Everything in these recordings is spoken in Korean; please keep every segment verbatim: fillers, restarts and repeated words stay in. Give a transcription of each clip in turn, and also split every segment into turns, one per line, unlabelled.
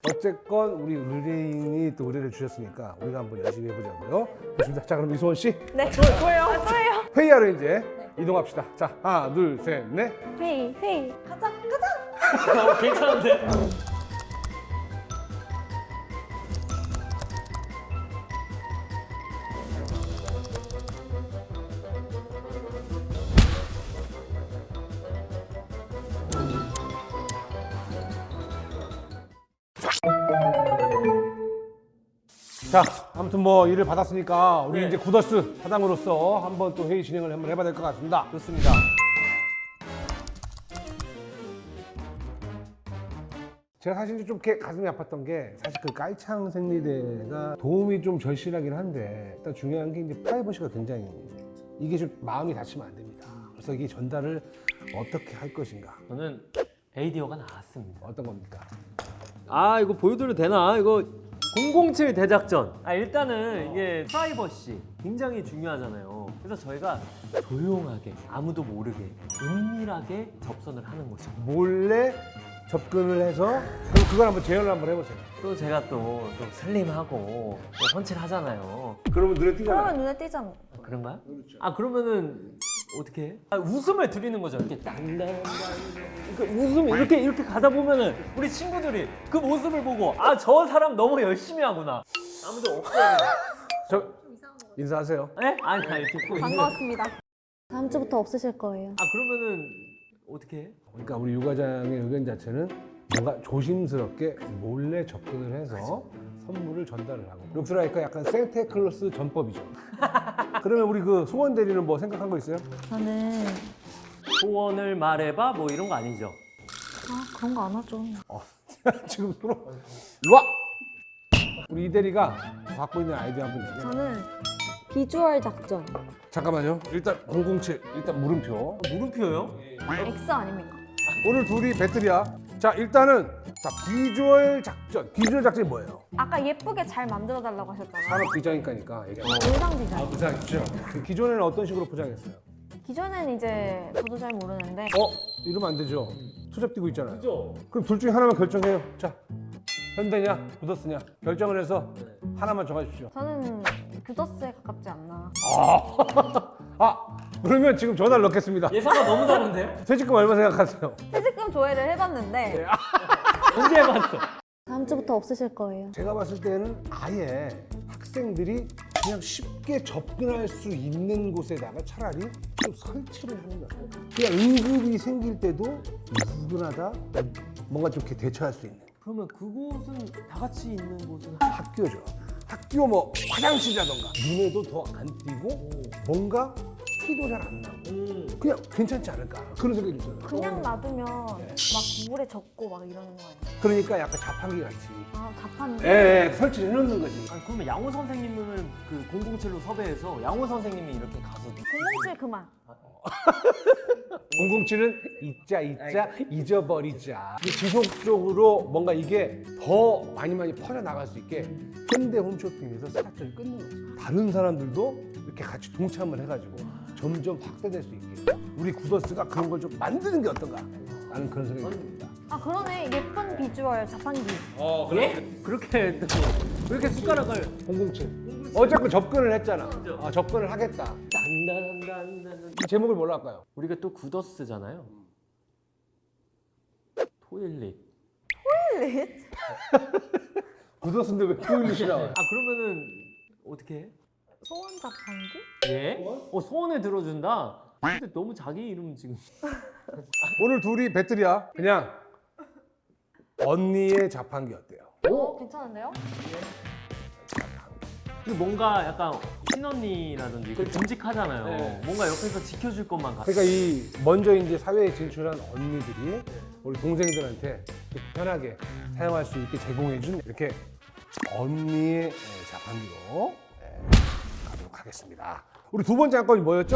어쨌건 우리 의뢰인이 또 의뢰를 주셨으니까 우리가 한번 열심히 해보자고요. 좋습니다. 자, 그럼 이소원 씨
네. 저예요. 아, 저예요.
회의하러 이제 이동합시다. 자, 하나, 둘, 셋, 넷.
회의, 회의. 가자, 가자.
어, 괜찮은데?
자, 아무튼 뭐 일을 받았으니까 우리
네.
이제 구더스 사장으로서 한번 또 회의 진행을 한번 해봐야 될 것 같습니다.
좋습니다.
제가 사실 좀 이렇게 가슴이 아팠던 게 사실 그 깔창 생리대가 도움이 좀 절실하긴 한데 일단 중요한 게 이제 프라이버시가 굉장히 이게 좀 마음이 다치면 안 됩니다. 그래서 이게 전달을 어떻게 할 것인가?
저는 아이디어가 나왔습니다.
어떤 겁니까?
아, 이거 보여드려도 되나? 이거 공공칠 대작전. 아, 일단은 이게 프라이버시 굉장히 중요하잖아요. 그래서 저희가 조용하게 아무도 모르게 은밀하게 접선을 하는 거죠.
몰래 접근을 해서 그럼 그걸 한번 재현을 한번 해보세요.
또 제가 또, 또 슬림하고 또 펀치를 하잖아요.
그러면 눈에 띄잖아요.
그러면 눈에 띄잖아.
아, 그런가요? 아, 그러면은 어떻게 해? 아, 웃음을 드리는 거죠. 이렇게 땅땅땅. 그러니까 웃음 이렇게 이렇게 가다 보면은 우리 친구들이 그 모습을 보고 아, 저 사람 너무 열심히 하구나. 아무도 없어요.
저 인사하세요.
에? 아니, 아니, 듣고 있는.
반가웠습니다. 다음 주부터 없으실 거예요.
아, 그러면은 어떻게 해?
그러니까 우리 유 과장의 의견 자체는 뭔가 조심스럽게 몰래 접근을 해서 선물을 전달을 하고 룩스라이커 약간 생테클로스 전법이죠. 그러면 우리 그 소원 대리는 뭐 생각한 거 있어요?
저는
소원을 말해봐 뭐 이런 거 아니죠?
아 그런 거 안 하죠.
지금 서로 일로 와! 우리 이 대리가 갖고 있는 아이디어 한번 얘기해.
저는 비주얼 작전.
잠깐만요. 일단 공공칠 일단 물음표.
물음표요?
X 아닙니까?
오늘 둘이 배틀이야. 자 일단은 자 비주얼 작전. 비주얼 작전이 뭐예요?
아까 예쁘게 잘 만들어 달라고 하셨잖아요.
산업 디자인과니까 얘기해.
의상 디자인.
부장이죠. 그 기존에는 어떤 식으로 포장했어요?
기존엔 이제 저도 잘 모르는데
어? 이러면 안 되죠. 투잡 뛰고 있잖아요.
그죠?
그럼 둘 중에 하나만 결정해요. 자, 현대냐, 구더스냐 결정을 해서 하나만 정하십시오.
저는 규더스에 가깝지 않나.
아, 아 그러면 지금 전화를 넣겠습니다.
예상과 너무 다른데요?
퇴직금 얼마 생각하세요?
퇴직금 조회를 해봤는데
언제 해봤어?
다음 주부터 없으실 거예요.
제가 봤을 때는 아예 학생들이 그냥 쉽게 접근할 수 있는 곳에다가 차라리 좀 설치를 하는 것 같아요. 그냥 응급이 생길 때도 누구나 다 뭔가 좀 이렇게 대처할 수 있는
그러면 그곳은 다 같이 있는 곳은
학교죠. 학교 뭐 화장실이라던가 눈에도 더 안 띄고 뭔가 티도 잘 안 나고
음.
그냥 괜찮지 않을까 그런 생각이 들어요.
그냥 놔두면 막 물에 젖고 막 이러는 거 아니에요?
그러니까 약간 자판기 같이
아 자판.
예, 예 설치를 해놓는 거지.
아니, 그러면 양호 선생님을 그 공공칠로 섭외해서 양호 선생님이 이렇게 가서
공공칠 그만.
공공칠은 잊자 잊자 잊어버리자. 지속적으로 뭔가 이게 더 많이 많이 퍼져나갈 수 있게 현대 홈쇼핑에서 스타트를 끊는 거지. 다른 사람들도 이렇게 같이 동참을 해가지고 점점 확대될 수 있게 우리 구더스가 그런 걸 좀 만드는 게 어떤가 라는 그런 생각이 듭니다.
아 그러네 예쁜 비주얼 자판기.
어
예? 그렇게 또 그렇게 숟가락을
공공칠 어쨌든 접근을 했잖아.
그죠.
아, 접근을 하겠다.
단단단단
이 제목을 뭘로 할까요?
우리가 또 구더스잖아요. 토일릿.
토일릿?
구더스인데 왜 토일릿이 나와요?
아, 그러면은 어떻게 해?
소원 자판기?
예? 어, 소원을 들어준다. 근데 너무 자기 이름 지금.
오늘 둘이 배틀이야. 그냥 언니의 자판기 어때요?
오 괜찮은데요?
그 뭔가 약간 친언니라든지 그 듬직하잖아요.
네.
뭔가 옆에서 지켜줄 것만 같아.
그러니까 이 먼저 이제 사회에 진출한 언니들이 우리 동생들한테 이렇게 편하게 사용할 수 있게 제공해준 이렇게 언니의 예, 자판기로 예, 가도록 하겠습니다. 우리 두 번째 안건이 뭐였죠?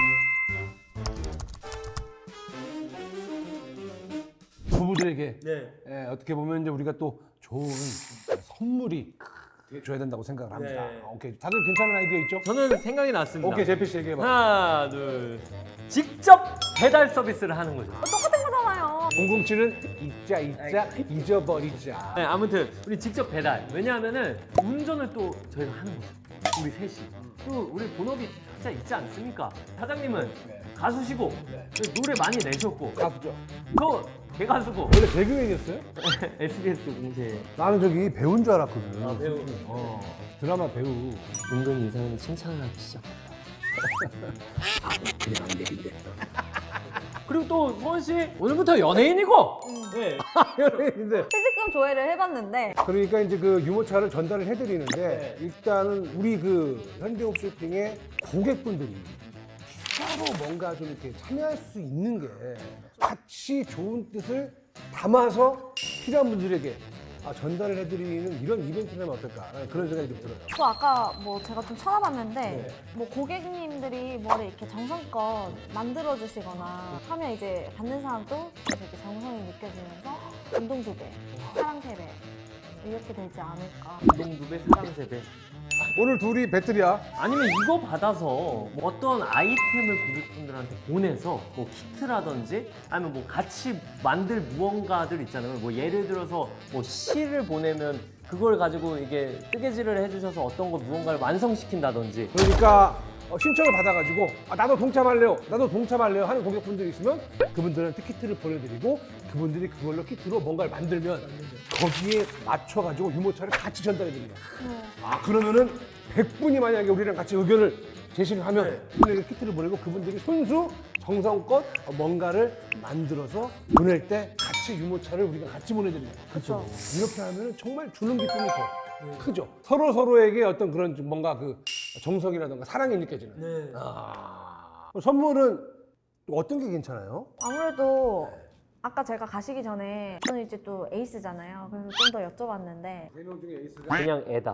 부부들에게
네.
예, 어떻게 보면 이제 우리가 또 좋은 선물이 줘야 된다고 생각을 합니다.
네.
오케이, 다들 괜찮은 아이디어 있죠?
저는 생각이 났습니다.
오케이, 제피 씨 얘기해봐.
하나, 둘. 직접 배달 서비스를 하는 거죠.
똑같은 거잖아요.
공공칠은 잊자 잊자 잊어버리자.
네, 아무튼 우리 직접 배달. 왜냐하면은 운전을 또 저희가 하는 거죠. 우리 셋이. 또 우리 본업이 각자 있지 않습니까? 사장님은
네.
가수시고 노래 많이 내셨고
가수죠.
저 개가수고
원래 개그맨이었어요?
에스비에스 공채
나는 저기 배우인 줄 알았거든.
아, 배우.
어, 드라마 배우.
은근히 이상은 칭찬을 하기 시작했다.
그냥 안 되긴데.
그리고 또 수원 씨 오늘부터 연예인이고. 네.
연예인인데.
퇴직금 조회를 해봤는데
그러니까 이제 그 유모차를 전달을 해드리는데
네.
일단은 우리 그 현대홈쇼핑의 고객분들이 추가로 뭔가 좀 이렇게 참여할 수 있는 게 같이 좋은 뜻을 담아서 필요한 분들에게 아, 전달을 해드리는 이런 이벤트를 하면 어떨까 그런 생각이 좀 들어요.
또 아까 뭐 제가 좀 찾아봤는데
네.
뭐 고객님들이 뭐를 이렇게 정성껏 만들어 주시거나 하면 이제 받는 사람도 되게 정성이 느껴지면서 감동 두 배, 사랑 세 배 이렇게 되지 않을까.
운동 두 배, 사랑 세 배.
오늘 둘이 배틀이야.
아니면 이거 받아서 뭐 어떤 아이템을 고객분들한테 보내서 뭐 키트라든지 아니면 뭐 같이 만들 무언가들 있잖아요. 뭐 예를 들어서 뭐 시를 보내면 그걸 가지고 이게 뜨개질을 해주셔서 어떤 거 무언가를 완성시킨다든지.
그러니까 어, 신청을 받아가지고 아, 나도 동참할래요, 나도 동참할래요 하는 고객분들이 있으면 그분들한테 키트를 보내드리고 그분들이 그걸로 키트로 뭔가를 만들면 거기에 맞춰가지고 유모차를 같이 전달해드립니다. 아 그러면은 백 분이 만약에 우리랑 같이 의견을 제시를 하면 그분에게 키트를 보내고 그분들이 손수 정성껏 뭔가를 만들어서 보낼 때 같이 유모차를 우리가 같이 보내드립니다.
그렇죠.
이렇게 하면 정말 주는 기쁨이 더 크죠. 서로 서로에게 어떤 그런 좀 뭔가 그 정성이라든가 사랑이 느껴지는.
네.
아. 선물은 어떤 게 괜찮아요?
아무래도 아까 제가 가시기 전에 저는 이제 또 에이스잖아요. 그래서 좀 더 여쭤봤는데
세 명 중에 에이스가
그냥 애다.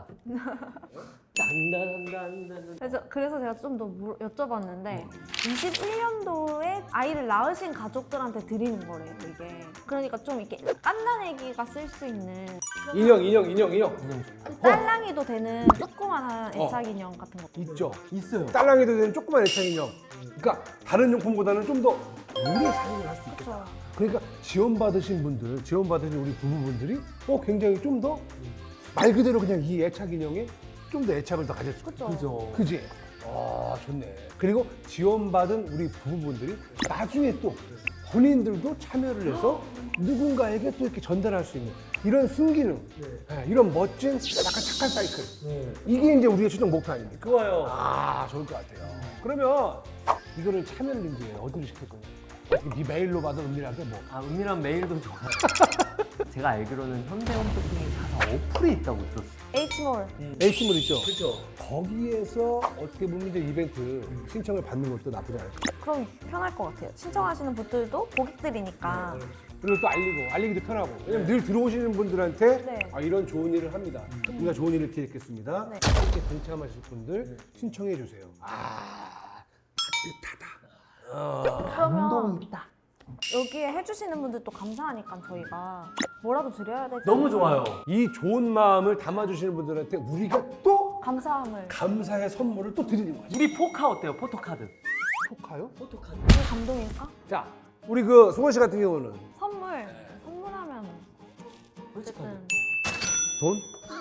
단단단단.
그래서 그래서 제가 좀 더 여쭤봤는데 이십일 년도에 아이를 낳으신 가족들한테 드리는 거래요 이게. 그러니까 좀 이렇게 깐난애기가 쓸 수 있는
인형, 인형, 인형, 인형
딸랑이도 되는 조그만한
어.
애착 인형 같은 거.
있죠.
있어요.
딸랑이도 되는 조그만 애착 인형. 그러니까 다른 용품보다는 좀 더 오래 사용을 할 수 있겠다.
그렇죠.
그러니까 지원받으신 분들, 지원받으신 우리 부부분들이 어 굉장히 좀 더 말 그대로 그냥 이 애착 인형에 좀 더 애착을 더 가질 수 있죠.
그렇죠.
그죠.
그지? 아 좋네. 그리고 지원받은 우리 부부분들이 나중에 또 본인들도 참여를 해서 누군가에게 또 이렇게 전달할 수 있는 이런 순기능, 네, 이런 멋진 약간 착한 사이클.
네.
이게 이제 우리의 최종 목표 아닙니까?
좋아요.
아 좋을 것 같아요. 그러면 이거를 참여를 이제 어디로 시킬 거예요? 어떻게 네 메일로 받은 은밀하게 뭐?
아, 은밀한 메일도 좋아요. 제가 알기로는 현대홈쇼핑에 자사 어플이 있다고 들었어요.
H몰.
H몰 있죠?
그렇죠.
거기에서 어떻게 보면 이제 이벤트 신청을 받는 것도 나쁘지 않을 것 같아요.
그럼 편할 것 같아요. 신청하시는 분들도 고객들이니까.
그리고 또 알리고, 알리기도 편하고. 왜냐면 늘 들어오시는 분들한테
네.
아, 이런 좋은 일을 합니다. 우리가 좋은 일을 기획했습니다.
네.
함께 동참하실 분들 신청해 주세요. 아, 따뜻하다. 어.
그러면 여기에 해주시는 분들도 감사하니까 저희가 뭐라도 드려야 되지.
너무 좋아요.
이 좋은 마음을 담아주시는 분들한테 우리가 또
감사함을.
감사의 선물을 또 드리는 거죠.
우리 포카 어때요? 포토카드.
포카요?
포토카드.
이게 감동일까?
자, 우리 그 송원 씨 같은 경우는
선물. 선물하면 어쨌든
돈?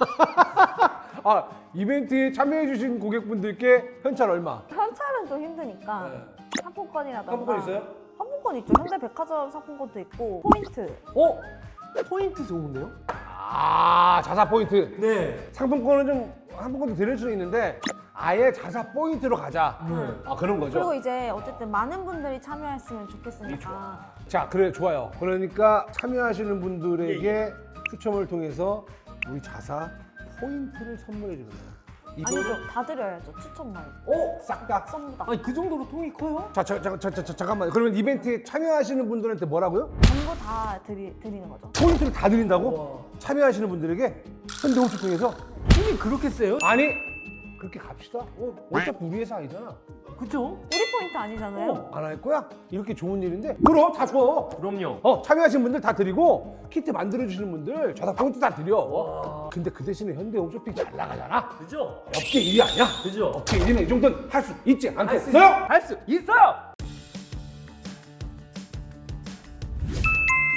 아, 이벤트에 참여해주신 고객분들께 현찰 얼마?
현찰은 좀 힘드니까 상품권이라던가.
상품권 있어요?
상품권 있죠. 현대백화점 상품권도 있고 포인트.
어? 포인트 좋은데요?
아, 자사 포인트.
네.
상품권은 좀 상품권도 드릴 수는 있는데 아예 자사 포인트로 가자.
네.
아, 그런 거죠.
그리고 이제 어쨌든 많은 분들이 참여했으면 좋겠으니까.
자, 그래 좋아요. 그러니까 참여하시는 분들에게 추첨을 통해서 우리 자사 포인트를 선물해 주는 거예요.
아니죠. 다 드려야죠. 추천 말고.
오, 싹 다.
전부 다.
아니 그 정도로 통이 커요?
자, 자, 자, 자, 자, 자, 잠깐만. 그러면 이벤트에 참여하시는 분들한테 뭐라고요?
전부 다 드리, 드리는 거죠.
포인트를 다 드린다고? 참여하시는 분들에게 현대홈쇼핑에서
힘이 그렇게 세요?
아니 그렇게 갑시다. 어, 어차피 우리 회사 아니잖아.
그죠?
우리 포인트 아니잖아요.
어, 안 할 거야? 이렇게 좋은 일인데 그럼 다 줘.
그럼요.
어, 참여하신 분들 다 드리고 키트 만들어 주시는 분들 자사 포인트 다 드려.
와.
근데 그 대신에 현대홈쇼핑 잘 나가잖아.
그죠?
업계 일 위 아니야?
그죠?
업계 일 위는 이 정도는 할 수 있지
할 수
않겠어요?
할 수 있어요.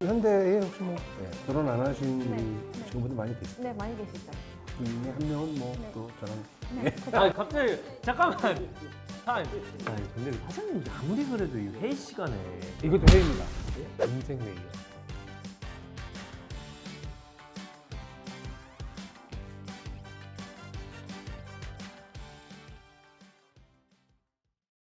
현대에 혹시 뭐 예, 결혼 안 하신
네,
우리
네.
친구분들 많이 계시죠?
네, 많이 계시죠.
그 중에 한 명은 뭐
네.
또 저랑
네.
아 갑자기 잠깐만. 아 근데 사장님 아무리 그래도 이 회의 시간에
이것도 회의입니다. 인생 회의요.